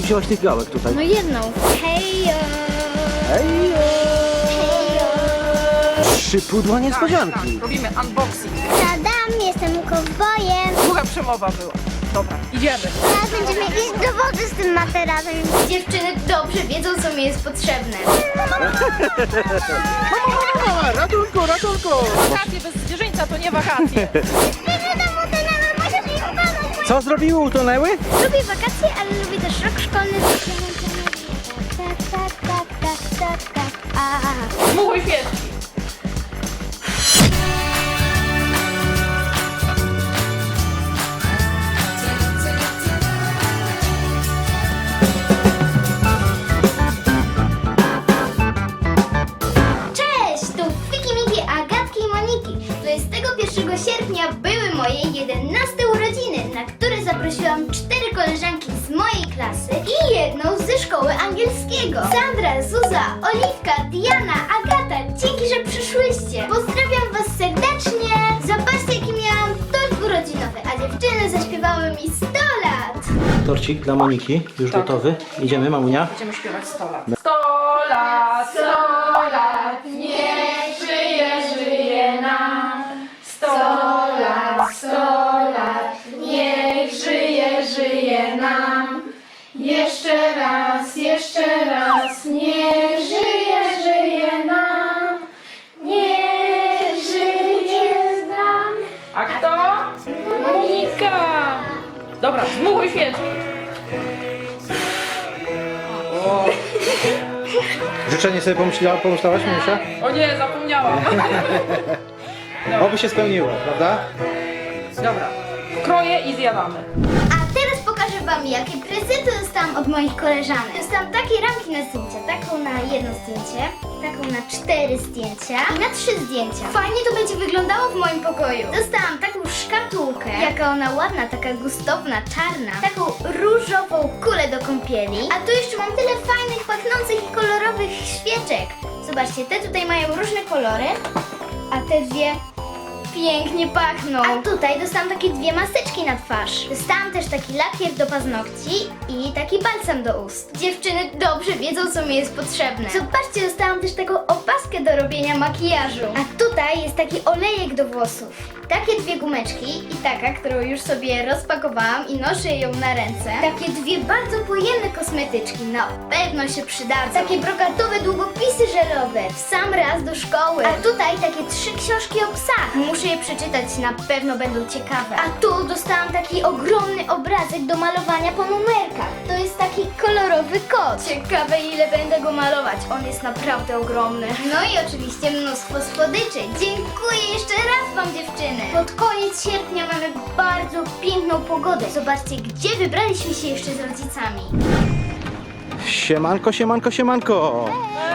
ty wzięłaś tych gałek tutaj? No jedną. Hejo! Hejo! 3 pudła niespodzianki. Tak, robimy unboxing. Tadam, jestem kowbojem. Długa przemowa była. Dobra, idziemy. Teraz będziemy iść do wody z tym materacem. Dziewczyny dobrze wiedzą, co mi jest potrzebne. Mama, ratunku, ratunku! Wakacje bez zwierzyńca to nie wakacje. Co zrobiły? Utonęły? Lubię wakacje, ale lubię też rok szkolny. Tak. Dmuchuj świeczki. Cześć, tu Fiki Miki, Agatki i Moniki. 21 sierpnia były moje 11 urodziny, na które zaprosiłam 4 koleżanki z mojej klasy i jedną ze szkoły angielskiego. Sandra, Zuza, Oliwka, Diana, Agata, dzięki, że przyszłyście. Pozdrawiam was serdecznie. Zobaczcie, jaki miałam tort urodzinowy, a dziewczyny zaśpiewały mi 100 lat. Torcik dla Moniki, już Tak. gotowy. Idziemy, mamunia? Będziemy śpiewać 100 lat. 100 lat, 100 lat, niech żyje, żyje nam. 100 lat, 100 lat, niech żyje, żyje nam. Jeszcze raz, niech żyje, żyje nam. Niech żyje nam. A kto? Monika. Dobra, dmuchuj świeczki. Życzenie sobie pomyślałaś, Mamusia? O nie, zapomniałam. Oby się spełniło, prawda? Dobra, kroję i zjadamy. A teraz pokażę wam, jakie prezenty dostałam od moich koleżanek. Dostałam takie ramki na zdjęcia, taką na jedno zdjęcie, taką na 4 zdjęcia i na 3 zdjęcia. Fajnie to będzie wyglądało w moim pokoju. Dostałam taką szkatułkę, jaka ona ładna, taka gustowna, czarna, taką różową kulę do kąpieli. A tu jeszcze mam tyle fajnych, pachnących i kolorowych świeczek. Zobaczcie, te tutaj mają różne kolory, a te dwie pięknie pachną. A tutaj dostałam takie 2 maseczki na twarz. Dostałam też taki lakier do paznokci i taki balsam do ust. Dziewczyny dobrze wiedzą, co mi jest potrzebne. Zobaczcie, dostałam też taką opaskę do robienia makijażu. A tutaj jest taki olejek do włosów. Takie 2 gumeczki i taka, którą już sobie rozpakowałam i noszę ją na ręce. Takie 2 bardzo pojemne kosmetyczki, na pewno się przydadzą. Takie brokatowe długopisy żelowe, w sam raz do szkoły. A tutaj takie 3 książki o psach. Muszę je przeczytać, na pewno będą ciekawe. A tu dostałam taki ogromny obrazek do malowania po numerkach. To jest taki kolorowy kot. Ciekawe, ile będę go malować. On jest naprawdę ogromny. No i oczywiście mnóstwo słodyczy. Dziękuję jeszcze raz wam, dziewczyny. Pod koniec sierpnia mamy bardzo piękną pogodę. Zobaczcie, gdzie wybraliśmy się jeszcze z rodzicami. Siemanko, siemanko, siemanko!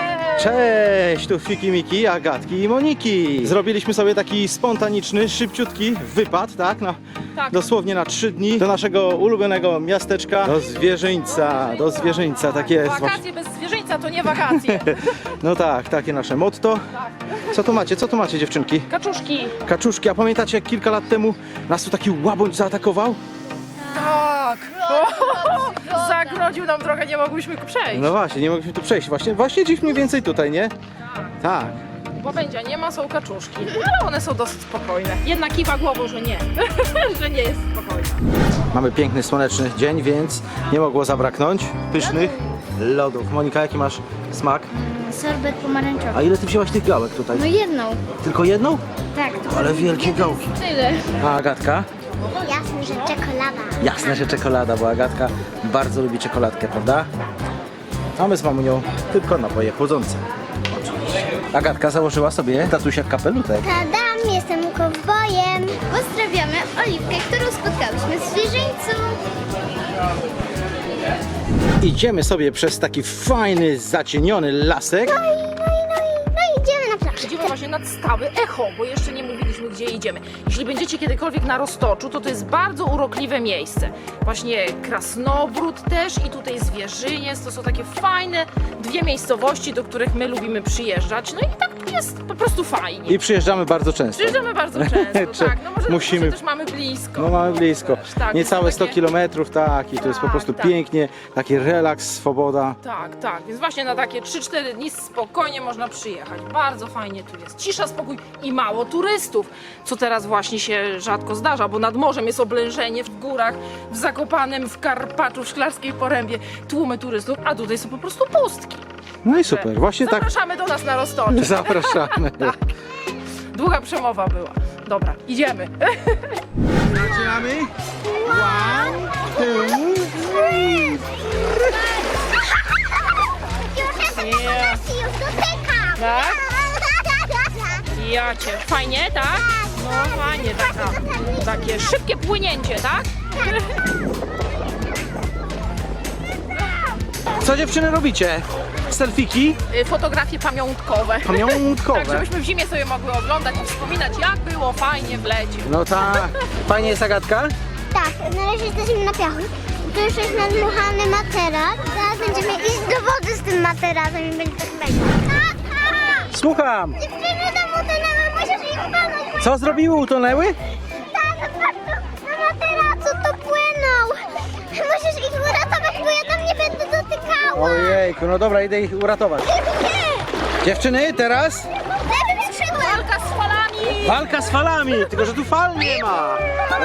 Cześć, tu Fiki Miki, Agatki i Moniki. Zrobiliśmy sobie taki spontaniczny, szybciutki wypad, tak? Tak. Dosłownie na 3 dni do naszego ulubionego miasteczka, do Zwierzyńca, tak jest. Wakacje bez zwierzyńca to nie wakacje. No tak, takie nasze motto. Co tu macie dziewczynki? Kaczuszki. Kaczuszki, a pamiętacie jak kilka lat temu nas tu taki łabędź zaatakował? Tak. Zagrodził nam drogę, nie mogłyśmy przejść. No właśnie, nie mogliśmy tu przejść. Właśnie dziś mniej więcej tutaj, nie? Tak. Łabędzia nie ma, są kaczuszki. Ale one są dosyć spokojne. Jedna kiwa głową, że nie. Że nie jest spokojna. Mamy piękny, słoneczny dzień, więc nie mogło zabraknąć pysznych lodów. Monika, jaki masz smak? Sorbet pomarańczowy. A ile ty wzięłaś tych gałek tutaj? No jedną. Tylko jedną? Tak. Ale wielkie gałki. Tyle. A Agatka? Jasne, że czekolada. Jasne, że czekolada, bo Agatka bardzo lubi czekoladkę, prawda? A my z mamunią tylko napoje chłodzące. Oczywiście. Agatka założyła sobie tatusia kapelutek. Tadam, jestem kowbojem. Pozdrawiamy Oliwkę, którą spotkałyśmy w zwierzyńcu. Idziemy sobie przez taki fajny, zacieniony lasek. No idziemy na plażę. Idziemy właśnie nad stawy Echo, bo jeszcze nie mówiliśmy, gdzie idziemy. Jeśli będziecie kiedykolwiek na Roztoczu, to jest bardzo urokliwe miejsce. Właśnie Krasnobród też i tutaj Zwierzyniec. To są takie fajne 2 miejscowości, do których my lubimy przyjeżdżać. No i tak jest po prostu fajnie. I przyjeżdżamy bardzo często. Przyjeżdżamy bardzo często, tak. No może Musimy. Może też mamy blisko. No mamy blisko. Tak, Niecałe to 100 takie- kilometrów, tak. I to jest po Tak, prostu tak. pięknie. Taki relaks, swoboda. Tak, tak. Więc właśnie na takie 3-4 dni spokojnie można przyjechać. Bardzo fajnie tu jest. Cisza, spokój i mało turystów. Co teraz właśnie się rzadko zdarza, bo nad morzem jest oblężenie, w górach, w Zakopanem, w Karpaczu, w Szklarskiej Porębie. Tłumy turystów, a tutaj są po prostu pustki. No i super. Właśnie tak Zapraszamy do nas na Roztocze. zapraszamy. Długa przemowa była. Dobra, idziemy. Zaczynamy. One, two, three. Już jestem na kolacji, już dotykam. Tak? Jacie. Fajnie, tak? No fajnie, takie szybkie płynięcie, tak? Co dziewczyny robicie? Selfiki? Fotografie pamiątkowe. Pamiątkowe. Tak, żebyśmy w zimie sobie mogły oglądać i wspominać, jak było fajnie w lecie. No tak. Fajnie jest, Agatka? Tak, na razie jesteśmy na piachu. Tu już jest nadmuchany materac. Zaraz będziemy iść do wody z tym materacem i będzie tak mega. Tata! Słucham. Dziewczyny tam utonęły, musisz ich walnąć. Co zrobiły? Utonęły? Tata, patrz, na materacu to płyną. Musisz ich uratować, bo ja tam nie będę dotykała. Ojejku, no dobra, idę ich uratować. Nie! Dziewczyny, teraz Lewym skrzydłem! Walka z falami! walka z falami, tylko że tu fal nie ma.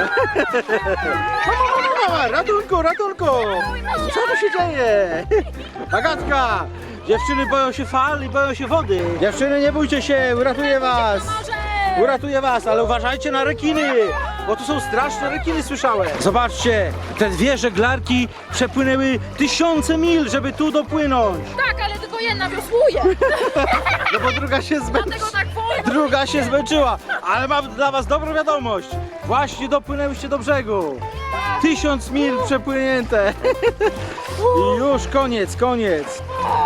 Mama, ratunku, ratunku! Co tu się dzieje? Agatka, dziewczyny boją się fal i boją się wody. Dziewczyny, nie bójcie się, uratuję was. Uratuję was, ale uważajcie na rekiny, bo tu są straszne rekiny, słyszałem. Zobaczcie, te dwie żeglarki przepłynęły tysiące mil, żeby tu dopłynąć. Tak, ale tylko jedna wiosłuje. No bo druga się Dlatego zmęczyła. tak wolno. Druga się zmęczyła, ale mam dla was dobrą wiadomość. Właśnie dopłynęłyście do brzegu. 1000 mil przepłynięte. I już koniec, koniec.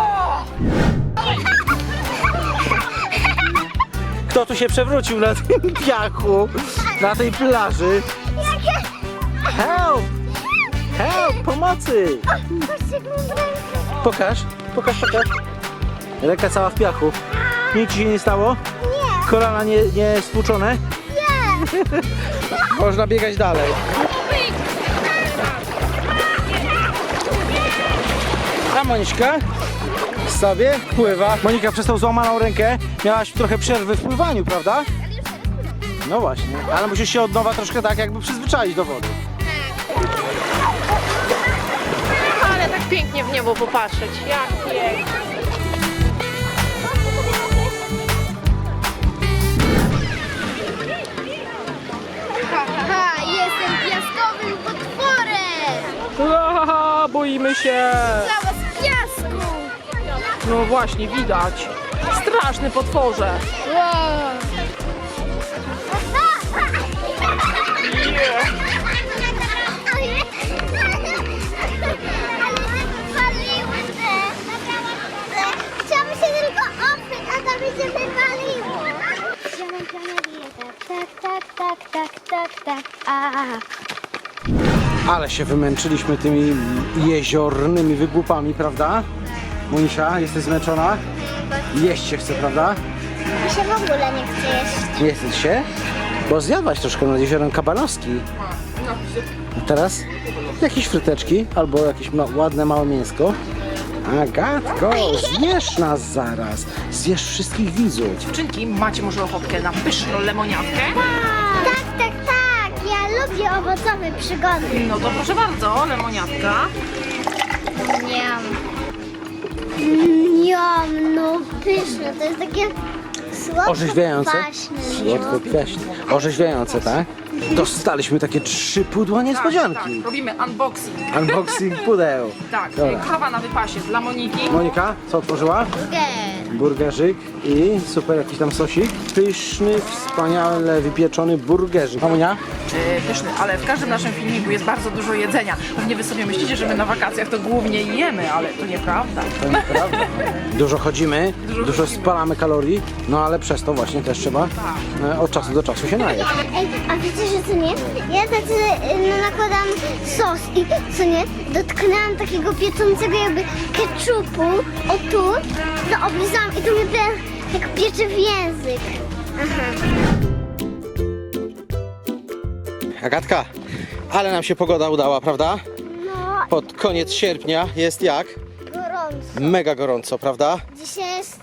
Kto tu się przewrócił na tym piachu, na tej plaży? Help! Help! Pomocy! Patrzcie, jak mam rękę. Pokaż, pokaż, pokaż. Ręka cała w piachu. Nic ci się nie stało? Nie, Kolana nie stłuczone? nie. Można biegać dalej. A Moniczka sobie pływa. Monika, przez tą złamaną rękę miałaś trochę przerwy w pływaniu, prawda? No właśnie, ale musisz się od nowa troszkę tak jakby przyzwyczaić do wody. Ale tak pięknie w niebo popatrzeć. Jak pięknie. Haha, jestem piaskowym potworem! Boimy się. Cała z piasku! No właśnie, widać. Straszny potworze. Chciałam się tylko oprzeć, a to mi się wywaliło. Wziąłem planetę. Tak. Ale się wymęczyliśmy tymi jeziornymi wygłupami, prawda? Monisia, jesteś zmęczona? Jeść się chce, prawda? Mi się w ogóle nie chce jeść. Nie chce ci się? Bo zjadłaś troszkę nad jeziorem Kabanowski. A teraz jakieś fryteczki albo jakieś ładne małe mięsko. Agatko, zjesz nas zaraz. Zjesz wszystkich widzów. Dziewczynki, macie może ochotkę na pyszną lemoniatkę? Tak. Ja lubię owocowe przygody. No to proszę bardzo, lemoniatka. Niam, no pyszne. To jest takie Orzeźwiające? słodko-kwaśne. Słodko-kwaśne. Orzeźwiające, tak? Dostaliśmy takie 3 pudła niespodzianki. Tak, robimy unboxing. Unboxing pudeł. Tak, Dobra. kawa na wypasie dla Moniki. Monika, co otworzyła? Burgerzyk i super jakiś tam sosik. Pyszny, wspaniale wypieczony burgerzyk. Mamunia? Pyszny, ale w każdym naszym filmiku jest bardzo dużo jedzenia. Pewnie wy sobie myślicie, że my na wakacjach to głównie jemy, ale to nieprawda. To nieprawda. Dużo chodzimy, dużo spalamy kalorii, no ale przez to właśnie też trzeba od czasu do czasu się najeść. Ej, a wiecie, że co nie? Ja tacy nakładam sos i co nie? Dotknęłam takiego piecącego jakby ketchupu, o tu, to oblizałam i to mnie Jak piecze w język. Aha. Agatka, ale nam się pogoda udała, prawda? No, Pod koniec sierpnia jest jak? gorąco. Mega gorąco, prawda? Dzisiaj jest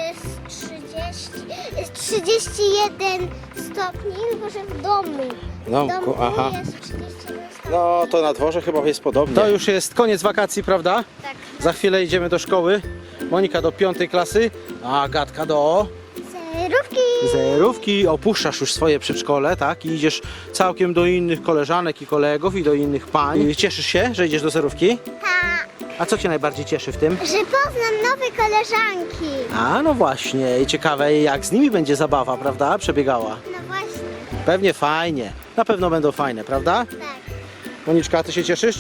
31 stopni, tylko że w domu. No, W domu aha. jest 31 stopni. No to na dworze chyba jest podobnie. To już jest koniec wakacji, prawda? Tak. Za chwilę idziemy do szkoły. Monika do 5. klasy, a Agatka do Zerówki. zerówki. Opuszczasz już swoje przedszkole, tak? I idziesz całkiem do innych koleżanek i kolegów i do innych pań. Cieszysz się, że idziesz do zerówki? Tak. A co Cię najbardziej cieszy w tym? Że poznam nowe koleżanki. A no właśnie, i ciekawe jak z nimi będzie zabawa, prawda? Przebiegała. No właśnie. Pewnie fajnie. Na pewno będą fajne, prawda? Tak. Moniczka, Ty się cieszysz,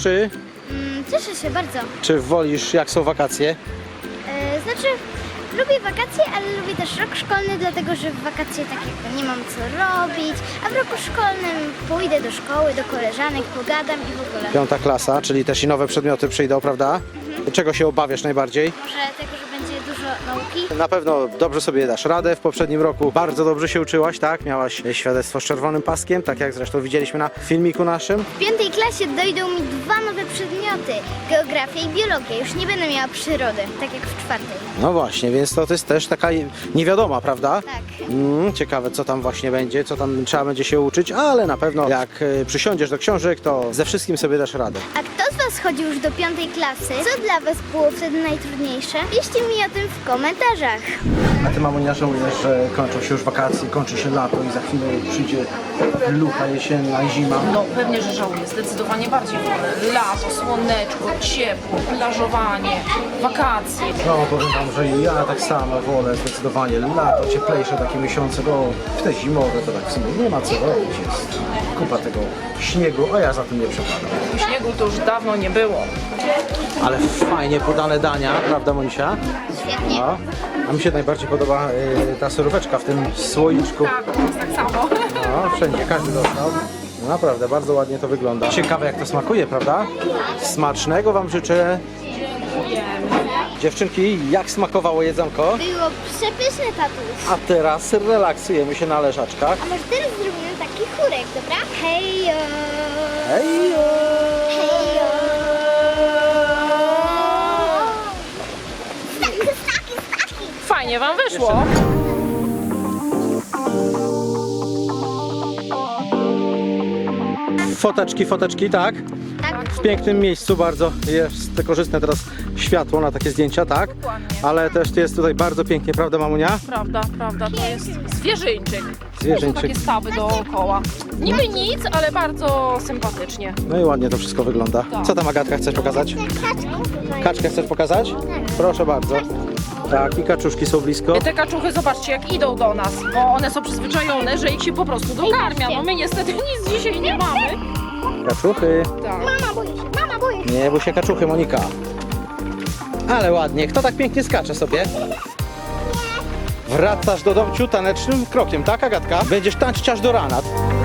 Cieszę się bardzo. czy wolisz jak są wakacje? Znaczy, lubię wakacje, ale lubię też rok szkolny, dlatego że w wakacje tak jakby nie mam co robić, a w roku szkolnym pójdę do szkoły, do koleżanek, pogadam i w ogóle. 5. klasa, czyli też i nowe przedmioty przyjdą, prawda? Czego się obawiasz najbardziej? Może tego, że będzie dużo nauki. Na pewno dobrze sobie dasz radę. W poprzednim roku bardzo dobrze się uczyłaś, tak? Miałaś świadectwo z czerwonym paskiem, tak jak zresztą widzieliśmy na filmiku naszym. W 5. klasie dojdą mi 2 nowe przedmioty, geografię i biologię. Już nie będę miała przyrody, tak jak w 4. No właśnie, więc to jest też taka niewiadoma, prawda? Tak. Ciekawe co tam właśnie będzie, co tam trzeba będzie się uczyć, ale na pewno jak przysiądziesz do książek, to ze wszystkim sobie dasz radę. A kto z Was chodził już do 5. klasy? Co dla Was było wtedy najtrudniejsze? Piszcie mi o tym w komentarzach. A Ty, mamo, nie żałujesz, że kończą się już wakacje, kończy się lato i za chwilę przyjdzie lucha jesienna i zima? No pewnie, że żałuję, zdecydowanie bardziej wolę. Lato, słoneczko, ciepło, plażowanie, wakacje. No, powiem Wam, że ja tak samo wolę zdecydowanie lato, cieplejsze takie miesiące, bo w te zimowe to tak w sumie nie ma co robić, jest kupa tego śniegu, a ja za tym nie przepadam. Śniegu to już dawno nie było. Ale fajnie podane dania, prawda, Monisia? Świetnie. No. A mi się najbardziej podoba ta suróweczka w tym słoiczku. Tak, u nas tak samo. No, wszędzie, każdy dostał. No, naprawdę, bardzo ładnie to wygląda. Ciekawe jak to smakuje, prawda? Smacznego Wam życzę. Dziewczynki, jak smakowało jedzonko? Było przepyszne, tatuś. A teraz relaksujemy się na leżaczkach. A może teraz zrobimy taki chórek, dobra? Hejo! Hejo! Hejo! Staki! Fajnie wam wyszło. Foteczki, tak? Tak. W pięknym miejscu bardzo jest korzystne teraz światło na takie zdjęcia, tak? Dokładnie. Ale też jest tutaj bardzo pięknie, prawda, mamunia? Prawda, to jest zwierzyńczyk. Zwierzyńczyk. Są takie stawy dookoła. Niby nic, ale bardzo sympatycznie. No i ładnie to wszystko wygląda. Tak. Co tam, Agatka, chcesz pokazać? Kaczki. Kaczkę chcesz pokazać? Proszę bardzo. Tak, i kaczuszki są blisko. Te kaczuchy, zobaczcie, jak idą do nas, bo one są przyzwyczajone, że ich się po prostu dokarmia. No my niestety nic dzisiaj nie mamy. Kaczuchy. Tak. Mama boję się. Nie bój się kaczuchy, Monika. Ale ładnie. Kto tak pięknie skacze sobie? Wracasz do domciu tanecznym krokiem, tak, Agatka? Będziesz tańczyć aż do rana.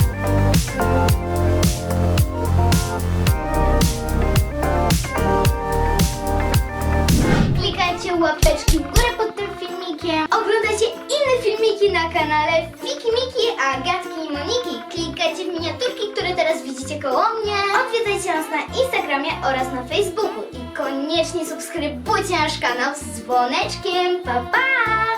Klikajcie łapeczki w górę pod tym filmikiem. Oglądajcie inne filmiki na kanale Fiki Miki, Agatki i Moniki. Klikajcie w miniaturki, które teraz widzicie koło mnie. Odwiedzajcie nas na Instagramie oraz na Facebooku. I koniecznie subskrybujcie nasz kanał z dzwoneczkiem. Pa, pa!